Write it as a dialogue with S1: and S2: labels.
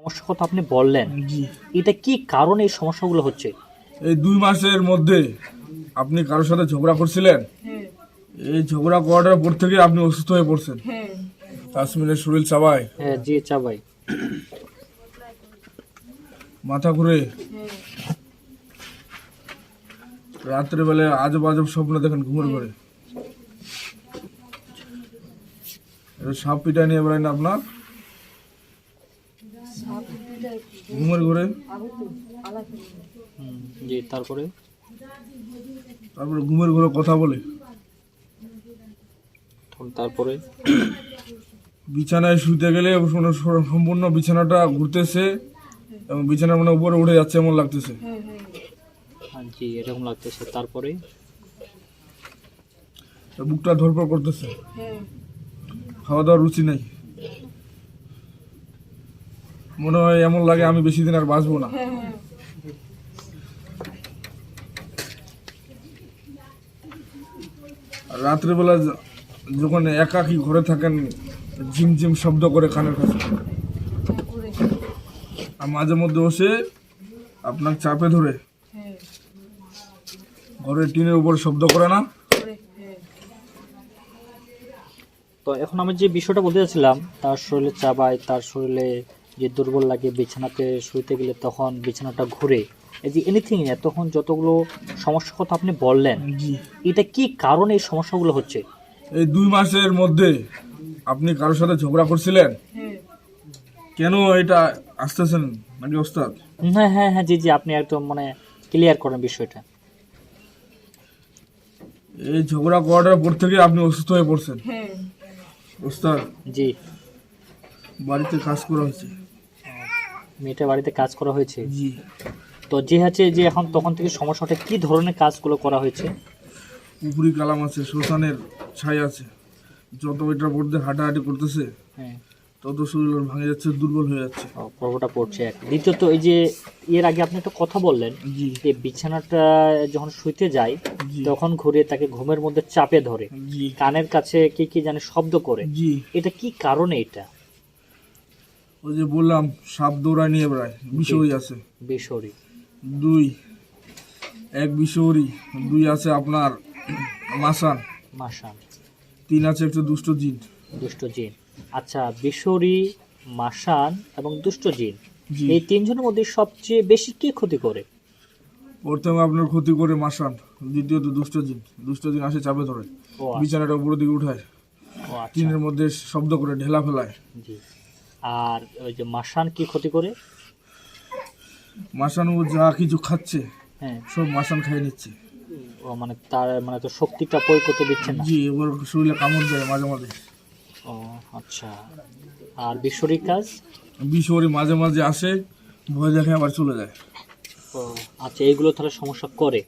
S1: সমস্যার কথা আপনি বললেন,
S2: জি।
S1: এটা কি কারণে এই সমস্যাগুলো হচ্ছে?
S2: এই 2 মাসের মধ্যে আপনি কারোর সাথে ঝগড়া করছিলেন। এই ঝগড়া করার পর থেকে আপনি অসুস্থ হয়ে পড়ছেন। তাসমিনের শরীর চাবায়,
S1: হ্যাঁ জি চাবাই।
S2: মাথা ঘুরে, রাত্রে বেলায় আজব আজব স্বপ্ন দেখেন ঘুমের ঘরে। এটা সাপ পিটা নিয়ে বেড়ায় না আপনার ঘুমের ঘরে?
S1: জি তারপরে
S2: তারপরে ঘুমের ঘরে কথা বলে,
S1: তারপরে
S2: বিছানায় শুতে গেলে সম্পূর্ণ বিছানাটা ঘুরতেছে এবং বিছানার মানে উপরে উঠে যাচ্ছে এমন লাগতেছে।
S1: জি এরকম লাগতেছে। তারপরে
S2: বুকটা ধরপড় করতেছে, খাওয়া দাওয়ার রুচি নেই, মনে হয় এমন লাগে আমি বেশি দিন আর বাঁচবো না। আর রাত্রেবেলা যখন একাকী ঘরে থাকেন ঝিমঝিম শব্দ করে কানের কাছে, আর মাঝে মধ্যে বসে আপনার চাপে ধরে ঘরের টিনের উপর শব্দ করে না।
S1: তো এখন আমি যে বিষয়টা বলতে চাচ্ছিলাম, তার শরীরে চাবায়, তার শরীরে যে দুর্বল লাগে, বিছানাতে শুইতে গেলে তখন বিছানাটা ঘুরে, এই যে এনিথিং তখন যতগুলো সমস্যার কথা আপনি বললেন,
S2: জি।
S1: এটা কি কারণে এই সমস্যাগুলো হচ্ছে?
S2: এই 2 মাসের মধ্যে আপনি কারোর সাথে ঝগড়া করছিলেন। কেন এটা আসতেছেন নাকি ওস্তাদ?
S1: হ্যাঁ হ্যাঁ হ্যাঁ জি জি, আপনি একদম মানে ক্লিয়ার করেন বিষয়টা।
S2: এই ঝগড়া করার পর থেকে আপনি অসুস্থ হয়ে পড়ছেন ওস্তাদ।
S1: জি।
S2: বাড়িতে কাজ করা হয়েছে।
S1: মেয়েটা বাড়িতে কাজ করা হয়েছে।
S2: জি।
S1: তো যে হচ্ছে যে এখন তখন থেকে সমস্যাটা কি ধরনের কাজগুলো করা হয়েছে?
S2: পুকুরি কালাম আছে, শ্মশানের ছাই আছে, যত এটার উপর দিয়ে হাঁটাহাঁটি করতেছে
S1: হ্যাঁ,
S2: তত শরীর ওর ভাঙে যাচ্ছে, দুর্বল হয়ে যাচ্ছে।
S1: পর্বটা পড়ছে এক। দ্বিতীয়ত এই যে এর আগে আপনি একটা কথা বললেন
S2: জি।
S1: যে বিছানাটা যখন শুইতে যায়
S2: জি।
S1: তখন ঘুরে তাকে ঘুমের মধ্যে চাপে ধরে,
S2: জি।
S1: কানের কাছে কি কি জানে শব্দ করে,
S2: জি।
S1: এটা কি কারণে? এটা
S2: ওই যে বললাম সাপ দৌড়ায় নিয়ে বেড়ায়, বিষয়ী আছে
S1: বেসরি।
S2: 2, 1 বিষয়ী, 2 আছে আপনার মাসান,
S1: মাসান,
S2: 3 আছে একটু দুষ্ট জিন।
S1: দুষ্ট জিন। আচ্ছা, বেসরি, মাসান এবং দুষ্ট জিন,
S2: জি।
S1: এই তিনজনের মধ্যে সবচেয়ে বেশি কে ক্ষতি করে?
S2: প্রথমে আপনার ক্ষতি করে মাসান, দ্বিতীয়ত দুষ্ট জিন। দুষ্ট জিন আসে চাপে ধরে,
S1: ও আচ্ছা,
S2: বিছানাটা উপরের দিকে উঠায়,
S1: ও আচ্ছা,
S2: টিনের মধ্যে শব্দ করে ঢেলা ফেলায়।
S1: জি। আর ওই যে মাসান কি ক্ষতি করে?
S2: মাসান ও যা কিছু খাচ্ছে
S1: হ্যাঁ,
S2: সব মাসান খাইয়ে নিচ্ছে।
S1: ও মানে তার মানে তো শক্তিটা প্রয়োগ করতে দিচ্ছে না।
S2: জি, ওর শরীরে কামড় দেয় মাঝে মাঝে।
S1: ও আচ্ছা। আর বিশ্বরিক কাজ?
S2: বিষয়ী মাঝে মাঝে আসে, ভয় দেখে আবার চলে যায়।
S1: ও আচ্ছা, এইগুলো তাহলে সমস্যা করে।